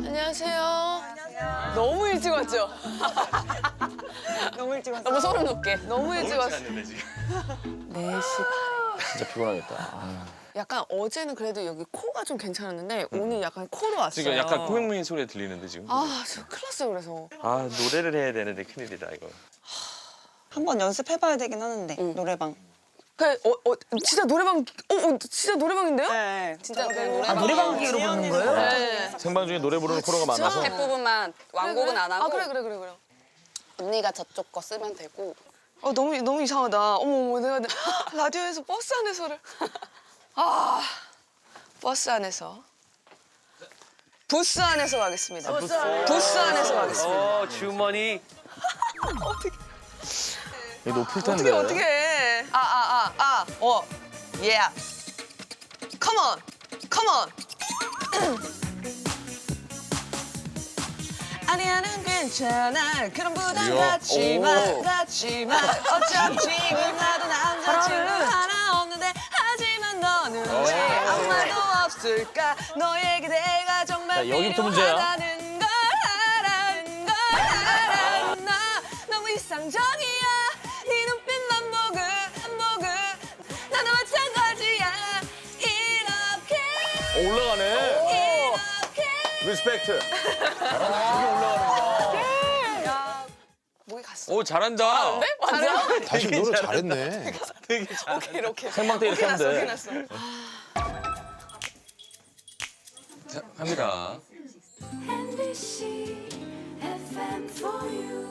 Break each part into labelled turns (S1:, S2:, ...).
S1: 안녕하세요. 너무 일찍 왔죠?
S2: 너무 일찍 왔어.
S1: 너무 소름 돋게. 너무 일찍 왔어.
S3: 왔는데 지금.
S1: 4시 반.
S4: 진짜 피곤하겠다.
S1: 약간 어제는 그래도 여기 코가 좀 괜찮았는데 오늘 약간 코로 왔어요.
S3: 지금 약간 코맹맹이 소리가 들리는데 지금.
S1: 아, 저 큰일 났어요, 그래서.
S3: 아 노래를 해야 되는데 큰일이다 이거.
S2: 한번 연습해봐야 되긴 하는데 노래방.
S1: 진짜 노래방, 진짜 노래방인데요?
S2: 네,
S1: 진짜 그
S2: 노래방.
S1: 노래방
S5: 기로 부르는 거예요?
S1: 네.
S4: 생방 중에 노래 부르는 코너가 많아서
S6: 랩 부분만 완곡은 안 하고
S1: 아, 그래.
S6: 언니가 저쪽 거 쓰면 되고.
S1: 너무 이상하다. 어머, 내가 라디오에서 버스 안에서를. 아, 버스 안에서. 부스 안에서 가겠습니다. 부스 안에서 가겠습니다.
S3: 주머니.
S4: 이게 높을 텐데.
S1: 어떻게. Yeah. Come on. 아니야, 난 괜찮아. 그런 부담 갖지 마. 어차피 지금 나도 남자친구 하나 없는데 하지만 너는 왜 아무 말도 없을까? 너의 기대가 정말
S4: 자, 여기부터 문제야.
S1: 필요하다는 걸 알아. 나 너무 이상적이야. 네 눈빛만 보고 나도 마찬가지야. 이렇게
S4: 올라가네. 리스펙트.
S1: 목이 갔어.
S3: 오 잘한다.
S1: 잘해요?
S7: 다시 노래 잘했네.
S3: 되게 잘.
S1: 이렇게.
S4: 생방 때 이렇게 하면 돼.
S1: 났어.
S3: 자, 갑니다.
S8: NBC FM for you.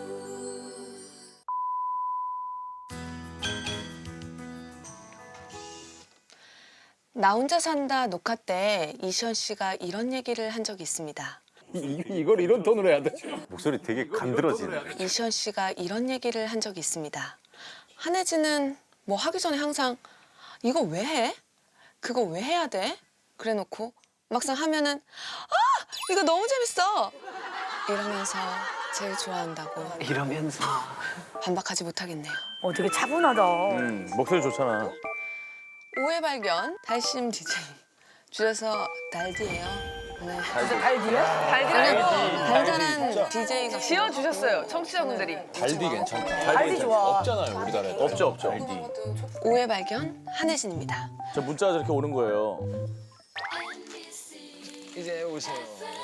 S1: 나 혼자 산다 녹화 때 이시연 씨가 이런 얘기를 한 적이 있습니다.
S4: 이걸 이런 톤으로 해야 돼?
S7: 목소리 되게 간드러지네.
S1: 이시연 씨가 이런 얘기를 한 적이 있습니다. 한혜진은 뭐 하기 전에 항상 이거 왜 해? 그거 왜 해야 돼? 그래놓고 막상 하면은 이거 너무 재밌어! 이러면서 제일 좋아한다고
S5: 이러면서.
S1: 반박하지 못하겠네요.
S5: 되게 차분하다.
S4: 목소리 좋잖아.
S1: 오해 발견 달심 DJ 줄여서 달디예요. 네.
S5: 달디야?
S1: 달달한 DJ가
S6: 지어주셨어요, 청취자분들이.
S7: 달디 괜찮다.
S5: 달디 좋아.
S7: 없잖아요, 우리나라에.
S4: 없죠.
S1: 오해 발견 한혜진입니다.
S4: 저 문자가 저렇게 오는 거예요.
S3: 이제 오세요.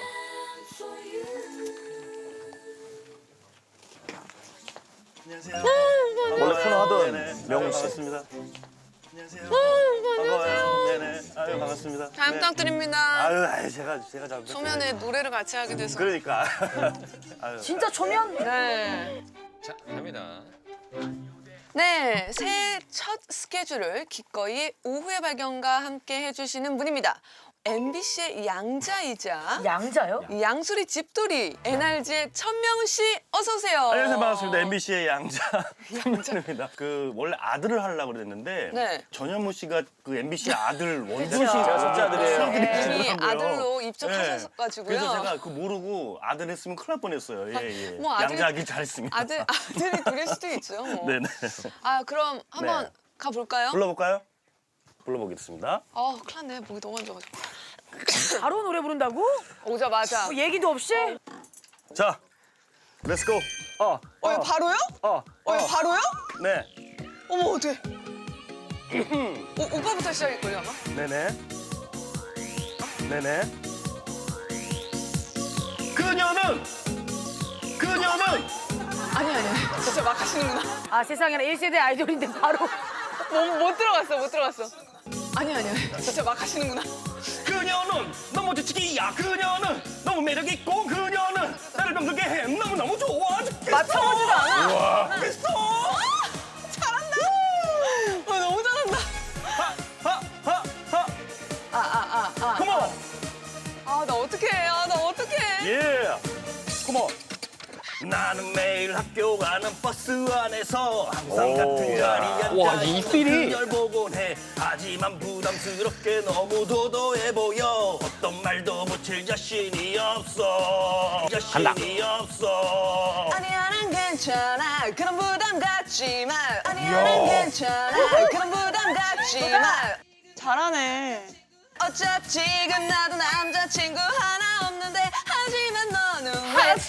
S4: 원래 코너 하던 명훈 씨.
S3: 반갑습니다. 안녕하세요. 반가워요. 네네. 아유 반갑습니다.
S1: 잘 부탁드립니다.
S3: 아유 제가 잘.
S1: 초면에 노래를 같이 하게 돼서.
S3: 그러니까. 아유.
S5: 진짜 초면?
S1: 네.
S3: 자 갑니다.
S1: 네, 새해 첫 스케줄을 기꺼이 오후의 발견과 함께 해주시는 분입니다. MBC의 양자이자
S5: 양자요?
S1: 양수리 집돌이 NRG의 천명훈 씨 어서 오세요.
S3: 안녕하세요 반갑습니다. MBC의 양자입니다. 그 원래 아들을 하려고 그랬는데
S1: 네.
S3: 전현무 씨가 그 MBC 아들 원준
S1: 그쵸.
S3: 씨가
S4: 첫째 아들이에요.
S1: 이미 아들로 입적하셔가지고요.
S3: 그래서 제가 그 모르고 아들 했으면 큰일 날 뻔했어요. 예.
S1: 뭐 아들이-
S3: 양자하기 잘했습니다.
S1: 아들이 둘일 수도 있죠. 뭐.
S3: 네네.
S1: 아 그럼 한번
S3: 네.
S1: 가볼까요?
S3: 불러볼까요? 불러보겠습니다.
S1: 큰일 났네. 목이 너무 안 좋아가지고.
S5: 바로 노래 부른다고?
S1: 오자마자.
S5: 뭐 얘기도 없이?
S3: 자, 렛츠고.
S1: 이거 바로요? 이거 바로요?
S3: 네,
S1: 어머 어떡해. 오빠부터 시작일걸요 아마?
S3: 네네. 네네. 그녀는
S1: 아니. 진짜 막 하시는구나.
S5: 아 세상에나 1세대 아이돌인데 바로.
S1: 못 들어갔어. 아니. 진짜 막 하시는구나.
S3: 그녀는 너무 지치기야. 그녀는 너무 매력 있고 그녀는 나를 병들게 해. 너무 좋아 죽겠어.
S1: 맞춰보지도 않아.
S3: 와, 죽겠어.
S1: 잘한다. 너무 잘한다.
S3: 하하하. 컴온.
S1: 나 어떡해.
S3: 예. 컴온. 나는 매일 학교 가는 버스 안에서 항상 같은 자리에 앉아 있는 그녀를 보곤 해. 하지만 부담스럽게 너무 도도해 보여. 어떤 말도 붙일 자신이 없어.
S1: 아니야 난 괜찮아. 그런 부담 갖지 마. 아니야 난 괜찮아. 그런 부담 갖지 마.
S2: 잘하네.
S1: 어차피 지금 나도 남자친구 하나 없는데 하지만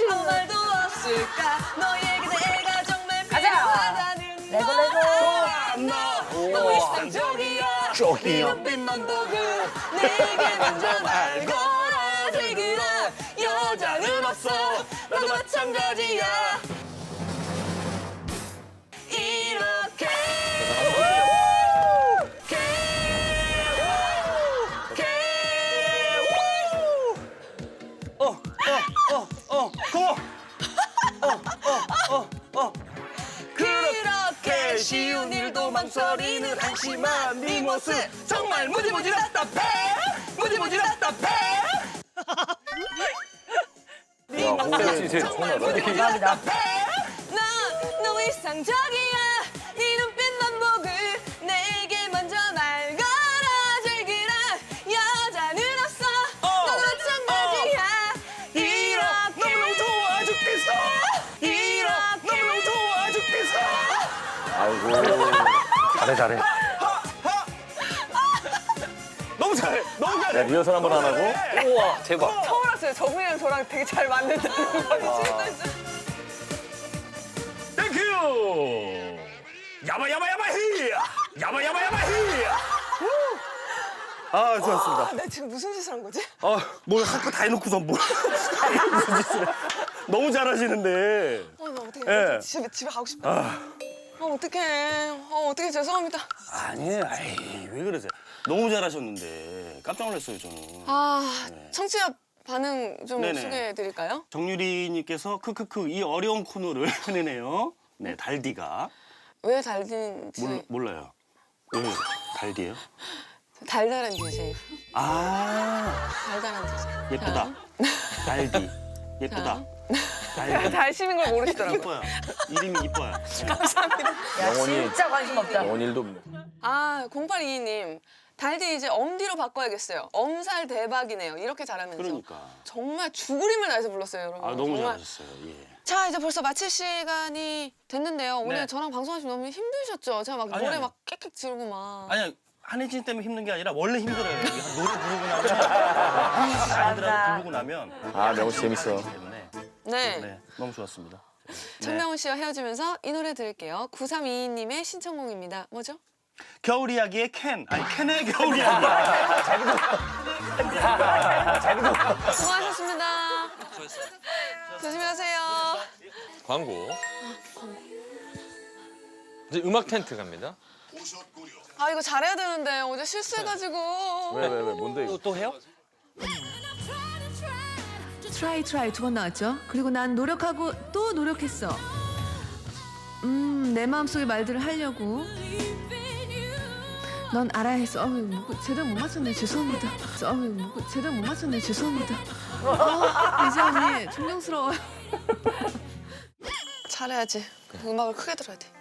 S1: 아무 말도 없을까 너에게 내가 정말
S5: 가자.
S1: 필요하다는
S5: 레고,
S1: 걸
S5: 레고.
S1: 알아. 너무 이상적이야 네 눈빛만 보고 내게 먼저 날 걸어줄 그런 여자는 없어 나도 마찬가지야 이렇게 그렇게 쉬운 일도 망설이는 한심한 네 모습 정말 무지무지 답답해 무지무지 답답해 네
S4: 야,
S1: 모습
S4: 홍세 씨 이제
S1: 정말
S4: 통하다.
S1: 무지무지 답답해 난 너무 이상적이야 네 눈빛만 보고 내게 먼저 말 걸어줄 그런 여자는 없어 나도 마찬가지야 이렇게 너무너무 좋아 죽겠어 이렇게 너무너무 좋아 죽겠어
S4: 아이고. 잘해.
S3: 너무 잘해. 너무 잘해.
S4: 야, 리허설 한번 안 하고?
S3: 우와 대박.
S1: 처음 알았어요 정우이랑 저랑 되게 잘 맞는다는 걸 지금까지
S3: 땡큐. 야바야바야바 히. 야바야바야바 히. 아 좋았습니다.
S1: 나 지금 무슨 짓을 한 거지?
S3: 뭘 할 거 다 해놓고서 뭘 무슨 짓을 해. 너무 잘하시는데.
S1: 나 어떡해
S3: 예.
S1: 집에 가고 싶다 어떡해 어떡해 죄송합니다
S3: 아니에요. 아이, 왜 그러세요? 너무 잘하셨는데 깜짝 놀랐어요 저는.
S1: 청취자 반응 좀
S3: 네네.
S1: 소개해 드릴까요?
S3: 정유리님께서 크크크 이 어려운 코너를 해내네요. 네 달디가
S1: 왜 달딘지
S3: 몰라요. 왜 달디예요?
S1: 달달한 DJ
S3: 아
S1: 달달한 DJ
S3: 예쁘다. 달디 예쁘다. 달디
S1: 달심인 걸 모르시더라고요
S3: 이뻐요. 이름이 이뻐요.
S5: 야,
S4: 영혼이-
S5: 진짜 관심 없다.
S4: 영원 일도 없네.
S1: 0822님 달디 이제 엄디로 바꿔야겠어요 엄살 대박이네요 이렇게 잘하면서
S3: 그러니까.
S1: 정말 죽을 힘을 다해서 불렀어요 여러분
S3: 아 너무
S1: 정말.
S3: 잘하셨어요. 예.
S1: 자 이제 벌써 마칠 시간이 됐는데요 오늘
S3: 네.
S1: 저랑 방송하시면 너무 힘드셨죠? 제가 막
S3: 아니,
S1: 노래
S3: 아니.
S1: 막 깨끗 지르고 막
S3: 아니야 한혜진 때문에 힘든 게 아니라 원래 힘들어요. 이게 노래 부르고 나면 아이들하고 부르고 나면
S4: 아, 명호 씨 재밌어.
S3: 때문에
S1: 네.
S3: 네 너무 좋았습니다. 네.
S1: 천명훈 씨와 헤어지면서 이 노래 들을게요 9322님의 신청곡입니다 뭐죠?
S3: 겨울 이야기의 캔의 겨울 이야기.
S1: 수고하셨습니다 조심히 가세요
S9: 광고. 이제 음악 텐트 갑니다.
S1: 아 이거 잘해야 되는데 어제 실수해가지고
S4: 왜, 뭔데 이거?
S3: 또 해요?
S10: 트라이 두 번 나왔죠. 그리고 난 노력하고 또 노력했어. 내 마음속의 말들을 하려고. 넌 알아야 했어. 제대로 못 맞췄네. 죄송합니다. 제대로 못 맞췄네. 죄송합니다. 이제 언니 존경스러워요.
S1: 잘해야지 음악을 크게 들어야 돼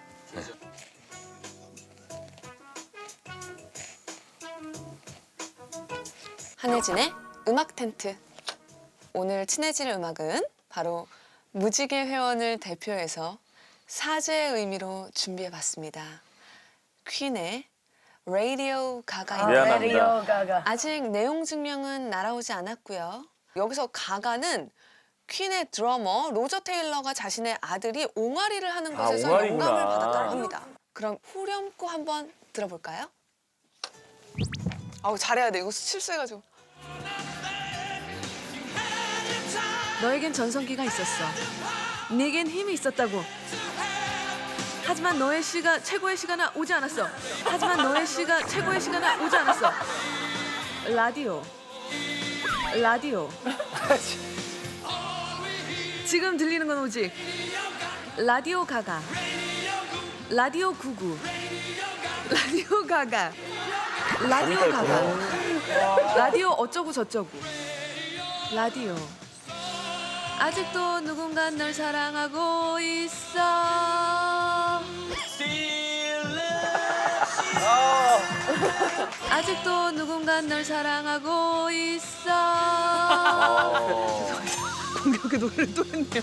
S1: 한혜진의 음악 텐트 오늘 친해질 음악은 바로 무지개 회원을 대표해서 사죄의 의미로 준비해봤습니다. 퀸의 라디오 가가입니다.
S4: 미안합니다.
S5: 레디오 가가.
S1: 아직 내용 증명은 날아오지 않았고요. 여기서 가가는 퀸의 드러머 로저 테일러가 자신의 아들이 옹알이를 하는 것에서
S4: 옹알이구나.
S1: 영감을 받았다고 합니다. 그럼 후렴구 한번 들어볼까요? 아우 잘해야 돼. 이거 실수해가지고.
S10: 너에겐 전성기가 있었어. 네겐 힘이 있었다고. 하지만 너의 시가 최고의 시간은 오지 않았어. 라디오. 지금 들리는 건 오직 라디오 가가. 라디오 99. 라디오 가가. 라디오 어쩌고 저쩌고. 라디오. 아직도 누군가 널 사랑하고 있어. 아직도 누군가 널 사랑하고 있어. 공격의 노래를 또 했네요.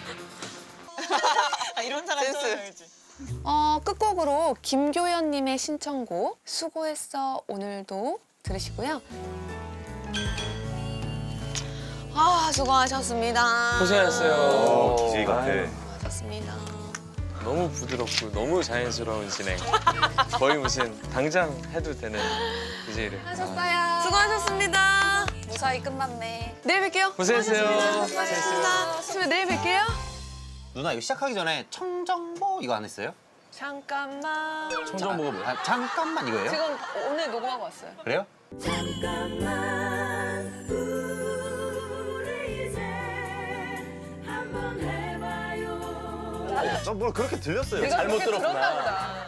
S2: 이런 사람
S1: 센스.
S2: 처음이지.
S1: 끝곡으로 김교연님의 신청곡 수고했어 오늘도 들으시고요. 아, 수고하셨습니다.
S9: 고생하셨어요.
S7: DJ 같아.
S1: 수고하셨습니다.
S9: 너무 부드럽고 너무 자연스러운 진행. 거의 무슨 당장 해도 되는 DJ를.
S6: 하셨어요.
S1: 수고하셨습니다.
S6: 무사히 끝났네.
S1: 내일 뵐게요.
S9: 고생했어요.
S1: 수고하셨습니다. 선생님, 내일 뵐게요.
S11: 누나 이거 시작하기 전에 청정보 이거 안 했어요?
S1: 잠깐만.
S4: 청정보가 뭐야?
S11: 아, 잠깐만 이거예요?
S1: 지금 오늘 녹음하고 왔어요.
S11: 그래요?
S8: 잠깐만 우리 이제 한번 해봐요.
S7: 뭘 그렇게 들렸어요.
S6: 내가
S3: 잘못
S6: 그렇게
S3: 들었구나.
S6: 들었나 보다.